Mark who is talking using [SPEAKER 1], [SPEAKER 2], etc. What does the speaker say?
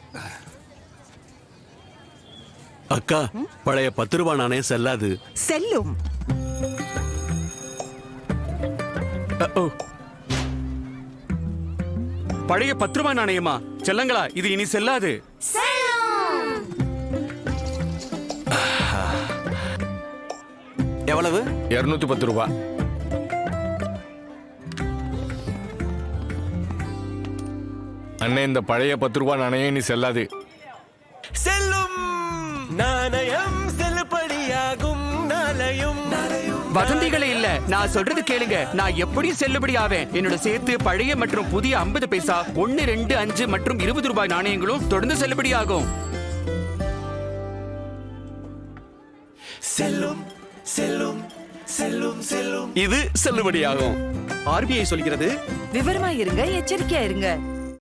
[SPEAKER 1] அக்கா, பழைய 10 ரூபாய் நாணயம் செல்லாது.
[SPEAKER 2] செல்லும்.
[SPEAKER 3] பழைய 10 ரூபாய் நாணயமா? செல்லங்களா, இது இனி செல்லாது.
[SPEAKER 1] எவ்வளவு?
[SPEAKER 4] 210 ரூபாய். அண்ணே, இந்த பழைய 10 ரூபாய் நாணயம் இனி செல்லாது.
[SPEAKER 5] செல்லும் நாணயம் செல்லுபடியாகும். நாளையும்
[SPEAKER 3] வதந்திகளே இல்ல, நான் சொல்றது கேளுங்க. நான் எப்படியும் செல்லுபடி ஆவேன். என்னோட சேர்த்து பழைய மற்றும் புதிய 50 பைசா, 1, 2, 5 மற்றும் 20 ரூபாய் நாணயங்களும் தொடர்ந்து செல்லுபடி ஆகும்.
[SPEAKER 5] செல்லும் செல்லும் செல்லும் செல்லும்.
[SPEAKER 1] இது செல்லுபடியாகும்.
[SPEAKER 3] ஆர்பிஐ சொல்கிறது,
[SPEAKER 2] விவரமா இருங்க, எச்சரிக்கையா இருங்க.